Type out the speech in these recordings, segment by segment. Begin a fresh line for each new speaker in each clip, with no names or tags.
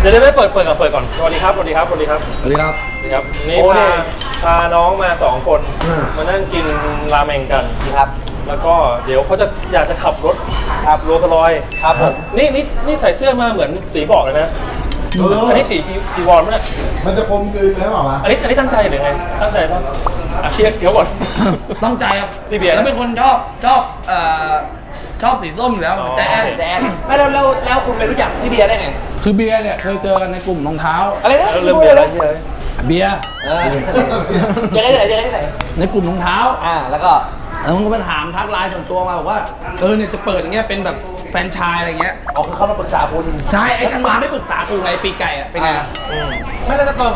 เดี๋ยวได้เปิดก่อนสวัสดีครับสวัสดีครับสวัสดีครับ
สวัสดีครับ
สวัสดีครับนี่พาน้องมา2 คนมานั่งกินราเมงกันครับแล้วก็เดี๋ยวเขาจะอยากจะขับรถครับโรลส์รอยซ์ครับผมนี่ใส่เสื้อมาเหมือนสีบอกเลยนะอันนี้สีจีวรมั้ย
มันจะกลมกลืนแล้วเปล่าวะ
อันนี้ตั้งใจหรือไงตั้งใจป่ะเชียร์เดี๋ยวก่อน
ต้องใจครับ
พี่เบียร์
แล้วเป็นคนชอบสีส้มอยู่แล้วแจ๊ด
ไม่แล้วคุณไปรู้จักพี่เบียร์ได้ไง
คือเบียร์เนี่ยเคยเจอกันในกลุ่มรองเท้า
อะไรนะ
เริ่มเบียร์แล้ว
เบียร์
ยังไงไหน
ในกลุ่มรองเท้า
แล้วก็
มันก็มาถามทักไลน์ส่วนตัวมาบอกว่าเนี่ยจะเปิดอย่างเงี้ยเป็นแบบแฟรนไชส์อะไรเงี้ย
อ๋อคือเขามาปรึกษาคุณ
ใช่ไอ้กันมาไม่ปรึกษากูไงปีไก่อะเป็นไง
ไม่แล้วตอน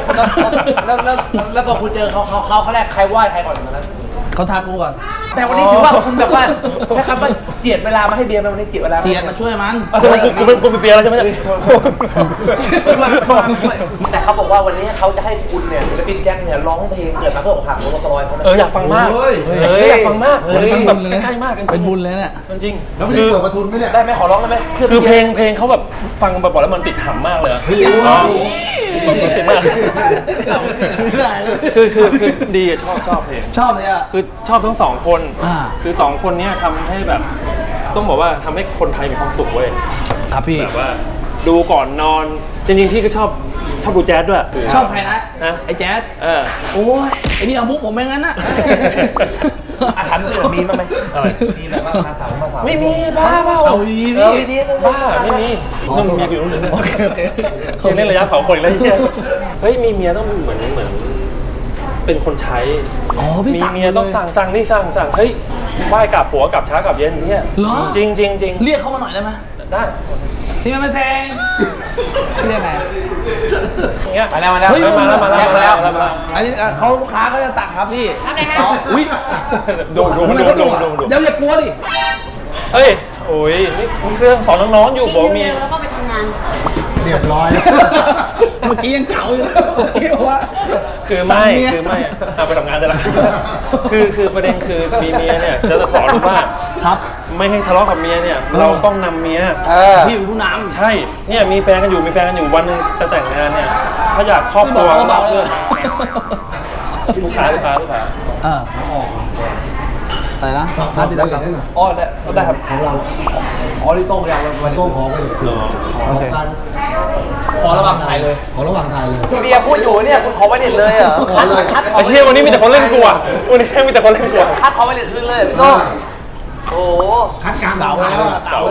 แล้วตอนคุณเจอเขาแรกใครไหว้ใครก่อนตอนนั้น
เขาทักกูก่อน
แต่วันนี้ถือว่าคุณแบบว่าใช่ครับว่าเจียดเวลามาให้เบียร์วันนี้เจียดเวลา
มาช่วยมัน
คุณเป็นเบียร์แล้วใช่ไหม
แต่เขาบอกว่าวันนี้เขาจะให้คุณเนี่ยศิลปินแจ็คเนี่ยร้องเพลงเกิดมาเพื่ออกหักโรสลอยเขา
อยากฟังมากอยากฟังมากแบบใกล้มาก
เป็นบุญเลยเนี่ย
จริง
แล้วไม่ได้เปิดประทุนไหมเนี่ย
ได้ไหมขอร้องได้ไหม
คือเพลงเขาแบบฟังบ่อยๆแล้วมันติดหำมากเลยติดมากคือดีชอบเพลง
ชอบเลยอ่ะ
คือชอบทั้ง2 คนคือ2 คนนี้ทำให้แบบต้องบอกว่าทำให้คนไทยมีความสุขเว้ย
ครับพี่
แบบว่าดูก่อนนอนจริงๆพี่ก็ชอบดูแจ๊สด้วย
ชอบใครนะไอ้แจ๊สโอ้ยไอ้นี่เอามุกผมไม่งั้นนะ
อาถรรพ์เสือมีมั้ยอะไรมีแบบว่ามาสาว
ไม่มีบ้า
เอาดี
บ้าไม่มีต้องมีอยู่นู่นเลยโอเคเล่นระยะเผาคนแล้วเฮ้ยมีเมียต้องเหมือนเป็นคนใช้มีเมียต้องสั่งนี่สั่งเฮ้ยไหว้กลับผัวกลับเช้ากลับเย็นเนี่ยจริง
เรียกเขามาหน่อยได้ไหม
ได้
ซิมาแซงเรียกไง
อย่างเงี้ย
มาแล้วมาแล้ว
อันนี้เขาลูกค้าก็จะตักครับพี่
ทำไงฮะ
อุ้ยดู
อย่ากลัวดิ
เฮ้ยโอ้ยนี่เครื่องสอนน้องๆอยู่บอกมี
แล้วก็ไปทำงาน
เรียบร้อย
เมื่อกี้ยังเก่าอยู่
คือไม่เอาไปทำงานได้ละคือประเด็นคือมีเมียเนี่ยจะสอนว่า
ครับ
ไม่ให้ทะเลาะกับเมียเนี่ยเราต้องนำเมีย
พี่อยู่ผู้นำ
ใช่เนี่ยมีแฟนกันอยู่วันนึงจะแต่งงานเนี่ยถ้าอยากครอบครัวก็เพื่อนลูกค้า
อะไรนะ
พาติดต่อ
อ๋อได้ครับ
ของเรา
ที่โต้งยาววัน
โต้งขอไป
โอเคขอระหว่างถ่ายเลย
พี่
เบียร์พูดอยู่เนี่ยคุณขอไว้เด็ดเลยเหรอ
คัดไอ้เชี่ยวันนี้มีแต่คนเล่นกลัววันนี้มีแต่คนเล่นกลัว
คัดขอไว้เด็ดขึ้นเลยพี่โต้งโอ้
คัดกลาง
เก่าแล้ว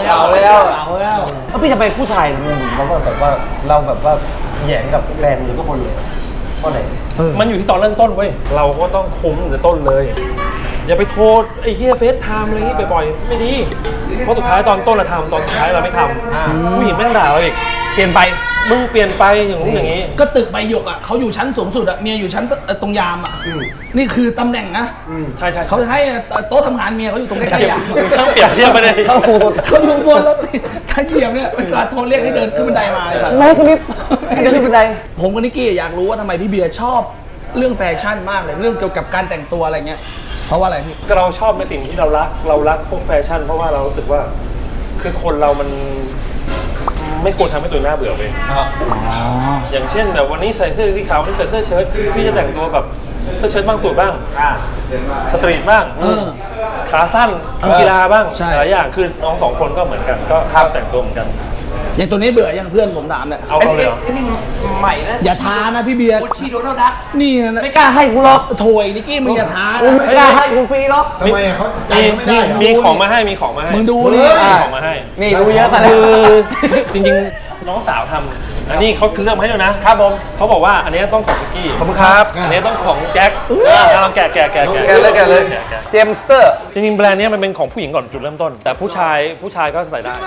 แล้วพี่จะไปผู้ชายเราก็แบบว่าเราแบบว่าแย่งกับแฟนหรือทุกคนเลยเพราะไหน
มันอยู่ที่ตอนเริ่มต้นเว้ยเราก็ต้องคุ้มตั้งแต่ต้นเลยอย่าไปโทษไอ้เหี้ยเฟซไทม์อะไรนี้บ่อยๆไม่ดีเพราะสุดท้ายตอนต้นเราทำตอนสุดท้ายเราไม่ทำผู้หญิงไม่ต้องด่าเราอีกเปลี่ยนไปมึงเปลี่ยนไปอย่างนู้นอย่างนี้
ก็ตึกใบหยกอ่ะเขาอยู่ชั้นสูงสุดอ่ะเมียอยู่ชั้นตรงยามอ่ะนี่คือตำแหน่งนะ
ใช่
เขาจะให้โต๊ะทำงานเมียเขาอยู่ตรงใกล้ๆยาม
ช่างเปลี่ยนเทียบไปเลย
เขาอยู่บนแล้วขยี้เนี่ยเวลาโทรเรียกให้เดินขึ้นบันไดมาเลย
ไม่คุณนิดให้เดินขึ้นบันได
ผมกับนิกกี้อยากรู้ว่าทำไมพี่เบียร์ชอบเรื่องแฟชั่นมากเลยเรื่องเกี่ยวกับการแต่งตัวอะไรเงี้ยเพราะว่าอะไรพี่
เราชอบในสิ่งที่เรารักพวกแฟชั่นเพราะว่าเรารู้สึกว่าคือคนเรามันไม่ควรทำให้ตัวหน้าเบื่อไปอย่างเช่นแบบวันนี้ใส่เสื้อสีขาววันนี้ใส่เสื้อเชิ้ตพี่จะแต่งตัวแบบเสื้อเชิ้ตบ้างสูทบ้างสตรีทบ้างขาสั้นกีฬาบ้างหลายอย่างคือน้อง2 คนก็เหมือนกันก็แต่งตัวเหมือนกัน
อย่างตัวนี้เบื่อยังเพื่อนผมถามเนี่ย
เอาเลยเหรอ
นี่ใหม่นะ
อย่าท้านะพี่เบียร์
กูชีโดนัลด์ดัก
นี่นะ
ไม่กล้าให้กูหรอก
โถยนิกกี้มึงอย่าท้า
ไม่กล้าให้กูฟรีหรอก
ทำไมเขาใจไม่ได้
มีของมาให้
มึงดูนี่
ของมาให้
นี่ดูเยอะกัน
คือจริงๆน้องสาวทำอันนี้เขาเลือกมาให้ด้วยนะครับผมเขาบอกว่าอันนี้ต้องของนิกกี้
ขอบคุณครับ
อันนี้ต้องของแจ็คลองแกะ
เลยเจมสเตอร์
จริงๆแบรนด์นี้มันเป็นของผู้หญิงก่อนจุดเริ่มต้นแต่ผู้ชายก็ใส่ได้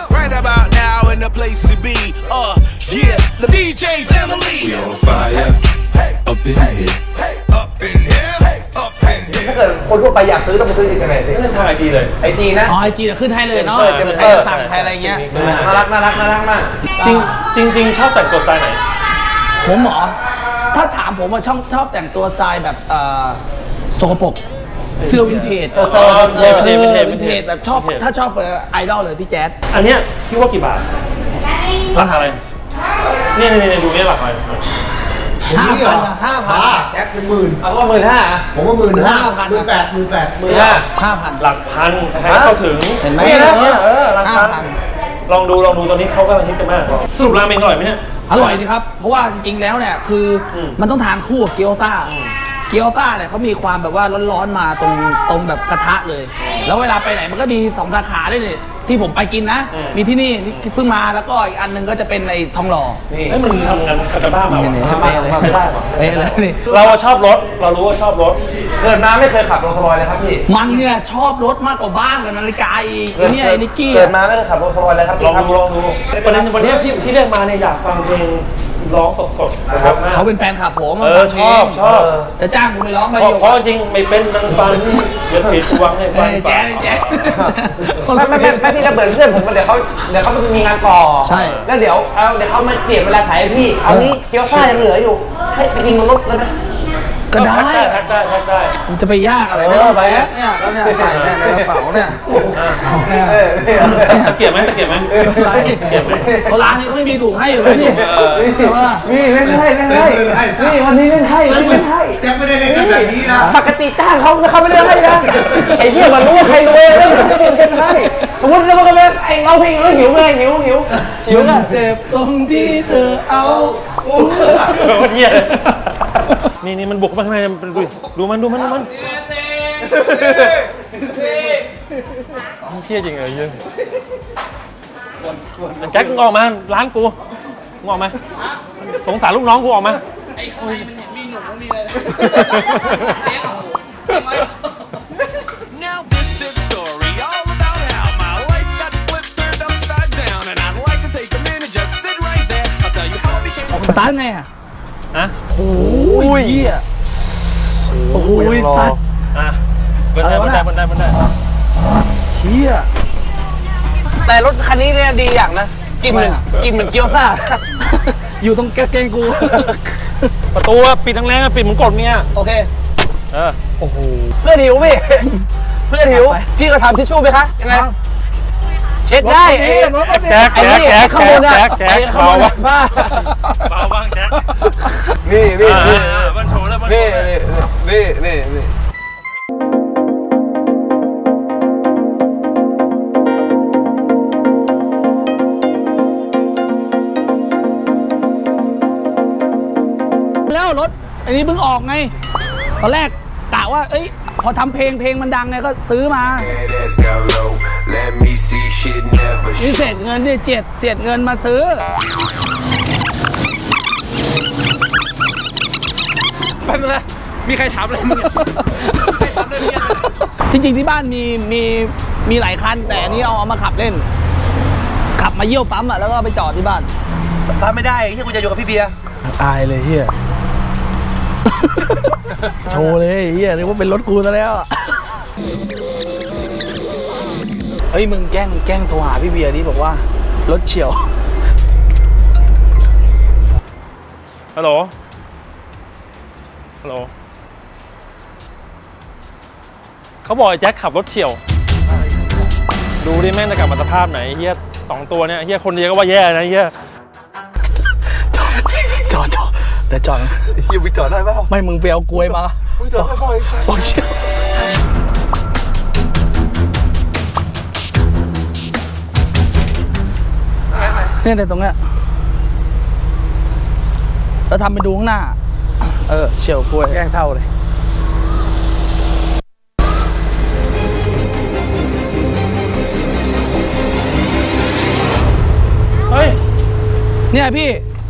The DJ family. We on fire. Up in here. Up in here. Up in here.
ถ้าเกิดคนทั่วไปอยากซื้อต้องไปซื้อที่ไหน
ดิทางIG เลย
IG นะ
IG จะขึ้นให้เลยเนาะใครสั่งใครอะไรเงี้ย
น่ารักมาก
จริงชอบแต่งตัวสไตล์ไหน
ผมหรอถ้าถามผมว่าชอบแต่งตัวสไตล์แบบโสกปรกเสื้อวินเทจวินเทจแบบชอบถ้าชอบไอดอลเลยพี่แจ๊ด
อันเนี้ยคิดว่ากี่บาทราคาอะไรนี่ดูนี่หลักอะไร
5,000
แจ็คเป็นหมื่น
เอาว่า15,000
ผมว่า15,000 18,000
5,000
หลักพันใครๆเข้าถึง
เห็นไหม
หลักพันลองดูตอนนี้เขากำลังฮิตกันมากสรุปราเมงอร่อยไหมเนี่ย
อร่อยดีครับ เพราะว่าจริงๆแล้วเนี่ยคืออ
ม
มันต้องทานคู่กับเกี๊ยวซ่า เกี๊ยวซ่าเนี่ยเขามีความแบบว่าร้อนๆมาตรงแบบกระทะเลย แล้วเวลาไปไหนมันก็มี2 สาขาด้วยนี่ที่ผมไปกินนะ มีที่นี่เพิ่งมาแล้วก็อีกอันหนึงก็จะเป็นไอ้ทองหล่อ
นี่เฮ้ยมันทำงานคาตาบ้ามา
นี่
ว่ะ
เป๊ะเลย
ใช้ได้ว่ะ
เป๊ะเลยนี่
เราชอบรถเรารู้ว่าชอบรถ
เกิดมาไม่เคยขับโรลส์รอยซ์เลยครับพี่
มันเนี่ยชอบรถมากกว่าบ้านกับนาฬิกาอีกไอ้เนี่ยไอ้นิกกี้
เกิ
อะ
ดมาไม่เคยขับโรลส์รอยซ์เลยครับ
ลองดูประเด็นวันนี้ที่เรียกมาเนี่ยอยากฟังเพลงร้องสดๆนะครับ
เขาเป็นแฟนคลับผม
ชอบ
จะจ้างผมไปร้องไหม
เพราะจริงไม่เป็นนางฟันเดี๋ยวผิดวางให้ฟัน
แจ๊แจ๊
ไม่พี่จะเปิดเพื่อนผมเดี๋ยวเขามีงานต่อ
ใช่
แล้วเดี๋ยวเขามาเปลี่ยนเวลาถ่ายให้พี่ เอานี้เกี๊ยวซ่ายังเหลืออยู่ ให้ไปกินบนรถแล้วนะ
ก็ได้
แท็กได้
มันจะไปยากอะไรไม่ต้องแบกเนี่ยแล้วเนี่ยใส่เนี่ยในกระเป๋าเนี่ย
ตะเกียบไหม
อะไร
เกียบไหม
เพราะร้านนี้ไม่มีถุงให้อยู่แล้วนี่แต่ว่า
นี่เล่นให้นี่วันนี้เล่นให้
แจ็คไม่ได้เล่นกันแบบนี้นะ
ปกติจ้างเขาไม่เล่นให้นะไอ้เหี้ยมันรู้ว่าใครรวยแล้วมันจะเล่นให้สมมติเราก็แบบไอ้เราเพลงแล้วหิวไงหิวก็
เจ็บตรงที่เธอเอา
โคตรเหี้ยนี่มันบุกมาข้างในดูมันเหี้ยจริงเลยเหี้ยแจ็คมึงออกมาร้านกูมึงออกมาสงสารลูกน้องกูออกมา
ไอ้ข้างในมันเห็นมีหนุ่มมีอะไร
Now this is a story all about how my life got flipped, turned upside down, and I'd like to take a minute, just sit right there. I'll tell you how I became.
สตาร์ทไงอ่ะ
อะ
โอ้ยเหี้ยโอ้ยสัตว์
อ่ะบนได้
เหี้ย
แต่รถคันนี้เนี่ยดีอย่างนะกินเหมือนเกี๊ยวซ่า
อยู่ตรงกางเกงกู
ประตูปิดทั้งแรงปิดเหมือนกดเมีย
โอเค
โอ้โห
เพื่อนหิวพี่เพื่อนหิวพี่ก็ทำทิชชู่ไหมคะยังไงเช็ดได้ไอ้
แจ็ค
ข้างบนอะไอ้ข้างบนอะบ้า
เบาบ้างแจ็ค
นี่
มันโชว์แล้วมัน
นี่
แล้วรถอันนี้เพิ่งออกไงตอนแรกกะว่าเอ้ยพอทำเพลงมันดังไงก็ซื้อมา
That ass got low. Let me see shit never.
นี่เศษเงินเนี่ยเศษเงินมาซื้อไปเลยมีใครถามอะไรมึงจริงๆที่บ้านมีหลายคันแต่อันนี้เอามาขับเล่น ขับมาเยี่ยวปั๊มอ่ะแล้วก็ไปจอดที่บ้าน
ถ้าไม่ได้ที่กูจะอยู่กับพี่เบียร์
อายเลยเฮีย โชว์เลยเฮียนึกว่าเป็นรถกูซะแล้วอะเฮ้ยมึงแกล้งโทรหาพี่เบียร์ดิบอกว่ารถเฉียว
ฮัลโหลเขาบอกไอ้แจ็คขับรถเฉี่ยวดูดิแม่งจะกลับมาสภาพไหนเฮีย2 ตัวเนี่ยเฮียคนเดียวก็ว่าแย่นะเฮีย
จอดเดี๋ยวจอด
เฮียไปจอดได้ป่ะ
ไม่มึงไปเอากล้วยมา
มึงจอดได้ป่ะไอ้สัส
บอกเชียวเนี่ยแต่ตรงเนี้ยแล้วทำไปดูข้างหน้า เฉียวกล้วยแกล้งเท่าเลย
เฮ้ย
เนี่ยพี่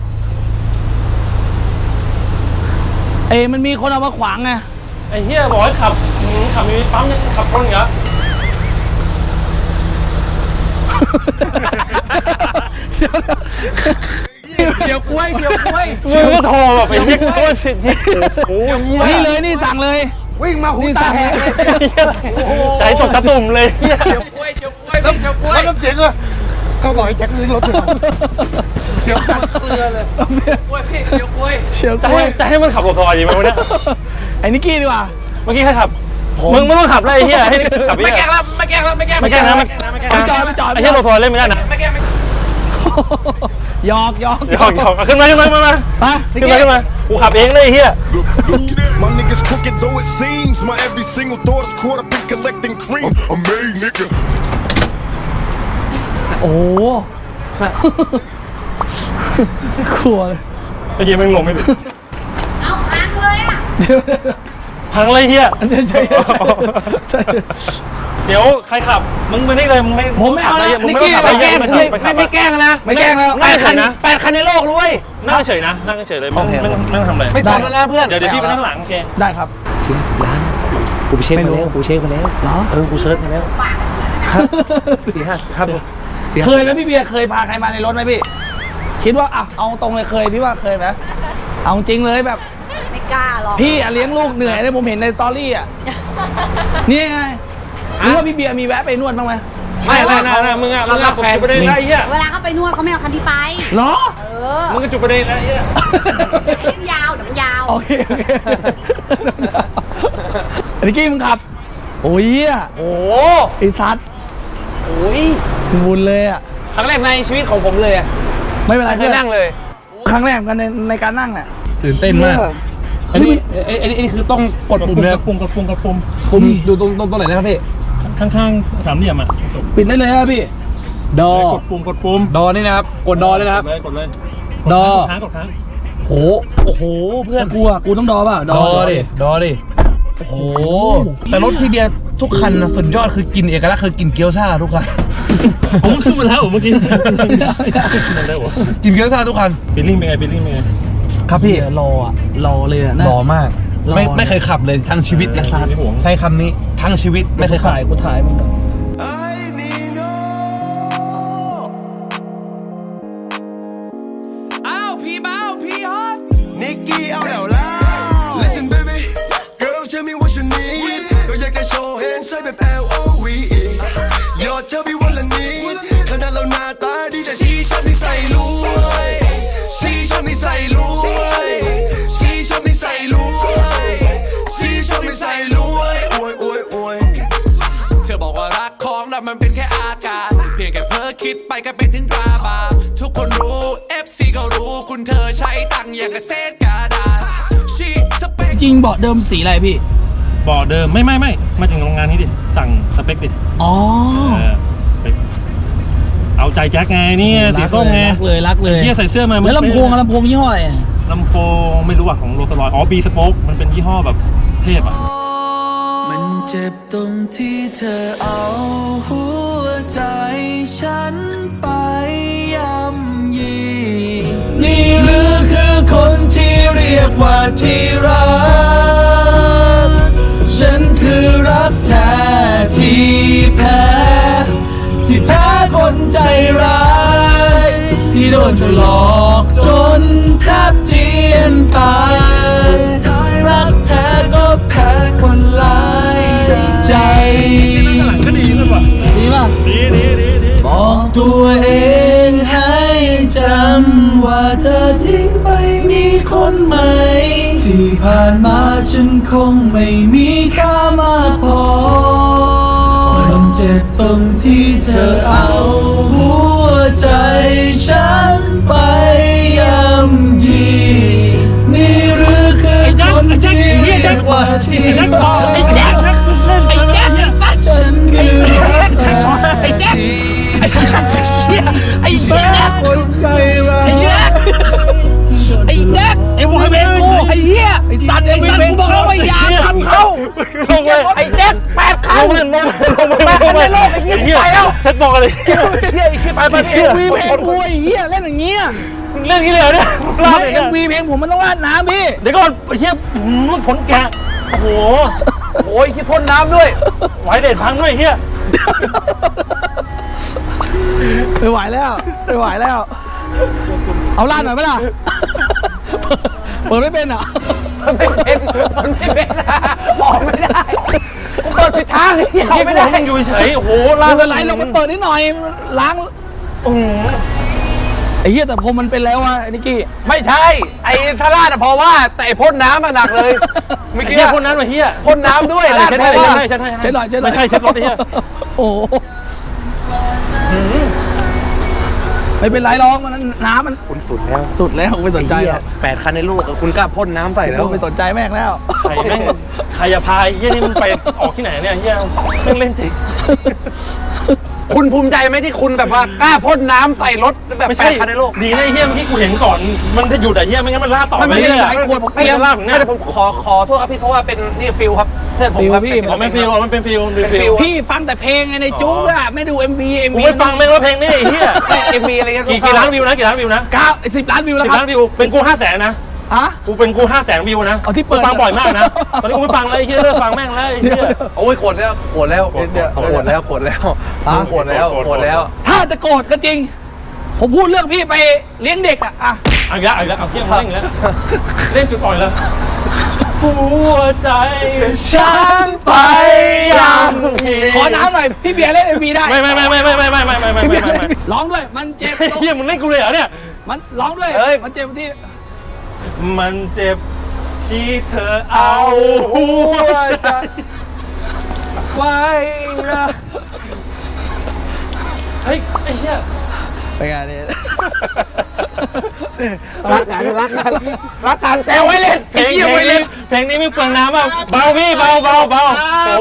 มันมีคนเอามาขวางไง
ไอ้เฮียบอกให้ขับมีปั๊มเนี่ยขับคนเหรอ
เฉียวกล้วย
มึงก็โทรแบบไอ้เฮียโคตรชิดโอ้ยเฮีย
นี่เลยนี่สั่งเลย
วิ่งมาหูตาแหกเลย
ใจตกตะตุ่มเลยเฮีย
แล้วน้ำเสียงก็เขาบอกให้แจ็คลื้อรถถึงเสียวฟันเกลือเลย
เฉียวกล้วย
จะให้มันขับรถซอยดีไหมวะเนี่ย
ไอ้นิกกี้ดีกว่า
เมื่อกี้ใครขับมึงไม่ต้องขับเลยไอ้เฮียให้ขับไป
ไม่แกล้งแล้ว
ไม่แกล้งนะไม่แกล้ง
ไปจอด
ไอ้เฮียรถซอยเล่นไม่ได้นะ
ไม่แกล้ง
หยอก
หยอกขึ้นมา
ไป
ขึ้นมากูขับเองเลยไอ้เฮีย
My niggas crooked though it seems. My every single thought is caught up in collecting cream. I'm made, nigga.
โอ้กลัวเลย
ไอ้เฮียมันงงไม่เป็น
เอาพังเลยอ่ะ
พังเลยเฮีย
ใช่
เดี๋ยวใครขับมึงมานี่เลยมึงไม่
ผมไม่เอา
ขับ
ละ
เลยมึง
นิก
ไม่
กี้
ต้องขับ
ไม่
เลย
แกล้ง
ไปขับ
ไม่แกล้งนะ
ไม่แกล้งแล้ว
8 คันในโลกด้วย
นั่งเฉยนะนั่งเฉยเลยไม่ต้องทำอะไร
ไม่สนแล้วนะเพื่อน
เดี๋ยวพี่ไปนั่งหลังโอเค
ได้ครับ
เชียร์10 ล้านกูไปเช็คมาแล้วกูเช็คมาแล้ว
เหรอ
กูเชิญมาแล้ว4-5ครับ
เคยไหมพี่เบียร์เคยพาใครมาในรถไหมพี่ คิดว่าอ่ะเอาตรงเลยเคยพี่ว่าเคยไหมเอาจริงเลยแบบ
ไม่กล้าหรอก
พี่อะเลี้ยงลูกเหนื่อยเลยผมเห็นในสตอรี่อ่ะนี่ไงหรือว่าพี่เบียร์มีแวะไปนวดบ้างไหม
ไม่มึงอ่ะมึงรับแฟนไปได้ไรเฮีย
เวลาเขาไปนวดเขาไม่เอาคันที่ไป
เหรอ
เออ
มึงก็จุดประเด็นนะเฮีย
เล่นยาวเดี๋ยวมันยาว
โอเคนิกกี้มึงขับ โอ้ยอ่ะ
โอ้
ไอ้ซัด
โอ้ย
บุญเลยอ่ะ
ครั้งแรกในชีวิตของผมเลยอะ
ไม่เป็นไร
เคยนั่งเลย
ครั้งแรกเหมือนกันในการนั่งเนี่ย
ตื่นเต้นมาก อันนี้คือต้องกดปุ่มเลย
ปุ่ม
ผมดูตรงไหนนะครับพี่
ข้างๆสามเหลี่ยมอ่ะ
ปิดได้เลยครับพี่
ดอก
ดปุ่ม
ดอนี่นะครับกดดอเลยนะครับ
กดเลย
ดอ
กดค้าง
โอ้โหเพื่อน
กูต้องดอเปล่า
ดอดิโอ้โหแต่รถพี่เบียร์ทุกคันนะสุดยอดคือกินเอกลักษณ์คือกินเกี๊ยวซ่าทุกคัน
ผมขึ้นมาแล้วเมื่อกี้มันได้หรอ
กินเกี๊ยวซ่าทุกคัน
ฟีลลิ่งเป็นไง
ครับพี่
รอเลยอ่ะนะ
หล่อมาก
หล่อ
ไม่เคยขับเลยทั้งชีวิตนะ
ไม่ห่วง
ใช้คำนี้ทั้งชีวิตไม่เคยขับ
กูถ่ายมึง
I need no อ้าวพี่เบาพี่ฮอตนิกกี้เอาแล้วล่ะ Listen baby girl tell me what you need ก็อยากจะโชว์แฮนด์ใส่แบบ L-O-V-E ยอดเธอพี่วันละนิดขนาดเราหน้าตาดีแต่ชีชอบนิสัยรวยชีชอบนิสัยรวยชีชอบนิสัยรวยชีชอบนิสัยรวยโอ้ยเธอบอกว่ารักของเรามันเป็นแค่อาการเพียงแค่เพ้อคิดไปก็เป็นถึงตราบาปทุกคนรู้ FC ก็รู้คุณเธอใช้ตังค์อย่างกับเศษกระดาษชีสเปค
จริงเบาะเดิมสีอะไรพี่
บ่อเดิมไม่มาถึงโรงงานนี้ดิสั่งสเปคดิ
อ๋อ
เอาใจแจ็คไงนี่สีส้มไง
รักเลย
เฮียใส่เสื้อมา
แล้วลำโพงยี่ห้ออะไร
ลำโพงไม่รู้อ่ะของโรลส์รอยซ์อ๋อบีสโป๊กมันเป็นยี่ห้อแบบเทพอ่ะ
มันเจ็บตรงที่เธอเอาหัวใจฉันไปย่ำยีนี่หรือคือคนที่เรียกว่าที่รักฉันคือรักแท้ที่แพ้ที่แพ้คนใจร้ายที่โดนเธอหลอกจนแทบเจียนตายสุดท้ายรักแท้ก็แพ้คนหลายใจ
ก็ดีเลยว่ะ
ดีป่ะ
ดี
บอกตัวเองให้จำว่าเธอทิ้งไปมีคนใหม่ ที่ผ่านมาฉันคงไม่มีค่ามากพอ มันเจ็บตรงที่เธอเอาหัวใจฉันไปย่ำยีนี่หรือคือคนที่เรียกว่าที่รัก
ไอ้แจ๊คฉันคือรักแท้ที่ไอ้แจ๊คคนใจร้ายไอ้แจ๊คไอ้บอยเบงกูไอ้เหี้ยไอ้สัตว์กูบอกแล้วว่าอย่าทำเขา
ลงไป
ไอ้แจ๊ค8 คัน
ลงไปไอ้เหี้ยไปแล้วเช็ดบอกอะไรเหี้ยไอ้เหี้ยไปเหี้ย
วีเพลงกูไอ้เหี้ยเล่นอย่างเงี้ย
เล่นงี้เลยเนี่ย
ไม่เอ็มวีเพลงผมมันต้องราดน้ำพี่
เดี๋ยวก่อนไอ้เหี้ยผลแกะโอ้โห
โอ้ยคิดพ่นน้ำด้วย
ไหวเด็ดพังด้วยเหี้ย
ไม่ไหวแล้ว เอาลาดหน่อยไหมล่ะ เปิดไม่เป็นเหรอ
มันไม่เป็นออกไม่ได้กูเปิดผิดทางเหี้ยออกไม่ได้
มึงอยู่เฉยโอ้โห
ล้างอะไรเราก็เปิดนิดหน่อยล้างไอ้เหี้ยแต่ผมมันเป็นแล้วอ่ะไอ้นิกกี้
ไม่ใช่ ไอ้ทาราดอะพอว่าแต่ไอ้พ่นน้ำมันหนักเลยเมื่อ
ไอ้
กี้
เหี้ยคนนั้นมาเหี้ย
พ่นน้ำด้วยราด
เช็ด
เพ
ให้
ราะว่า
เช็ดให้
เช็ดหน่อย
ไม่ใช่เช็ดรถไอ้เหี้ย
โอ้โหไม่เป็นไรหรอกมันน้ำมัน
คุณสุดแล้ว
สุดแล้วไม่สนใจหรอก
8 คันในลูกอะคุณกล้าพ่นน้ำใส่แล้ว
ไม่สนใจแม่งแล้ว
ใครแม่งใครจะพายเฮียนี่มันไปออกที่ไหนเนี่ยเฮียแม่งเล่นสิ
คุณภูมิใจไหมที่คุณแบบว่ากล้าพ่นน้ำใส่รถแบบ
ไม่ใช่
8 คันในโลก
ดีนะไอ้เฮียเมื่อกี้กูเห็นก่อนมันจะหยุดอะเฮียไม่งั้นมันลากต่อไป
ไม่
เรื่อย
หลายคนผม
ไม่งั้นลากถึงเนี่ย
ไม่ได้ผมขอโทษครับพี่เพราะว่าเป็นนี่ฟิลครับเพื่อนผม
ฟิล
ครับ
พี่
อ๋อมันฟิลมันเป็นฟิล
เป็นฟิล
พี่ฟังแต่เพลงไงในจู๊กอะไม่ดู MV
กูไม่ฟังแม่งว่าเพลงนี้ไอ้เฮีย
เอ็มวีอะไรเงี้ย
กี่ล้านวิวนะกี่ล้านวิวนะ
10 ล้านวิวแล้ว
10
ครั
ล้า
บ
นวิวเป็นกู500,000นะ
ฮะ
กูเป็นกู500,000วิวนะ
เอาที่เปิด
กูฟังบ่อยมากนะตอนนี้กูไม่ฟังแล้วไอ้เฮียเลิกฟังแม่งแล้วไอ้เฮีย
โอ้ยโกรธแล้วโกรธแล้วโกรธแล้วโกรธแล้วโกรธแล้ว
ถ้าจะโกรธก็จริง ผมพูดเรื่องพี่ไปเลี้ยงเด็กอะ
เอาอีกแล้วเอาอีกแล้วเอาเที่ยงเล่นอีกแล้วเล่นจุดอ่อยแล้วหัวใจฉันไปยังมี
ขอน้ำหน่อยพี่เบียร์เล่น MV ได้
ไม่
ร้องด้วยมันเจ็บ
เฮียมึงเล่นกูเลยเหรอเนี่ย
มันร้องด้วยมันเจ็บที่
มันเจ็บที่เธอเอาหัวใจ
ไว้นะ
เฮ้ยไอ้เหี้ย
เป็นไงเนี่ย
รักกันแต่ไว้เล่น
เพลงนี้ไม่เล่นเพลงนี้ไม่เปลืองน้ำอ่ะเบาพี่เบาโอ้เบา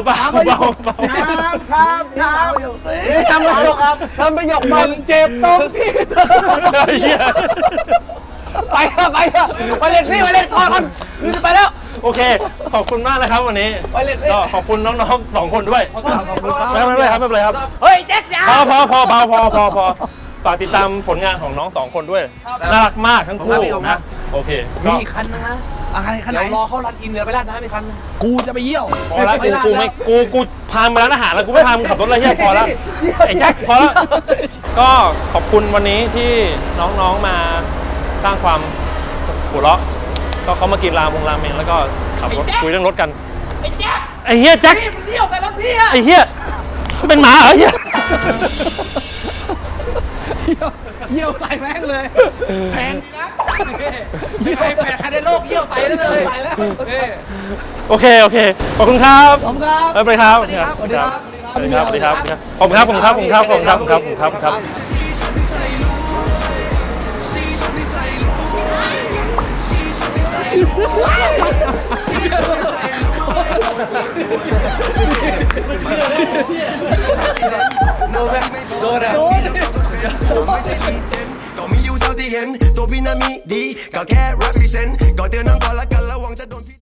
ทำประโยคมันเจ็บตรงที่เธอ
ไอ้เหี้ย
ไปเล่นนี่ไปเล่นก่อนคือจะไปแล้ว
โอเคขอบคุณมากนะครับวันนี้
ไปเล่นนี่
ก็ขอบคุณน้องๆ2 คนด้วยไม่เป็นไรครับไม่เป็นไรครับ
เฮ้ยแจ็คยา
พอฝากติดตามผลงานของน้อง2 คนด้วยน่ารักมากทั้งคู่นะโอเค
มี
ก็
อีกคันนึงนะ
ขนาดไหน
เดี๋ยวรอเขารันอินเดี๋ยวไปร้านน้ำอีกคัน
กูจะไปเยี่ยว
พอแล้วกูพามาร้านอาหารแล้วกูไม่พามึงขับรถอะไรเฮียพอแล้วไอ้แจ็คพอแล้วก็ขอบคุณวันนี้ที่น้องๆมาสร้างความหัวเราะก็เขามากินราเมงแล้วก็ขับรถคุยเรื่องรถกันไอ้แจ็คไอ้เฮียแจ็คมันเยี่ยวใส่รถพี่ไอ้เฮียเป็นหมาเหรอเฮีย
เยี่ยวใส่แม่งเลยแพงนะ
ไม่ไป8 คันในโลกเยี่ยวไปแล้วเลย
ใส่แล้ว
โอเคขอบคุณครับ
ขอบคุณครับ
บ๊ายบายครับ
สวัสดีครับ
สวัสดีครับขอบคุณครับขอบคุณครับ
ก็มีอยู่เท่าที่เห็นตัวพี่นั้นมีดีก็แค่ represent ก็เตือนน้องก่อนละกันระวังจะโดน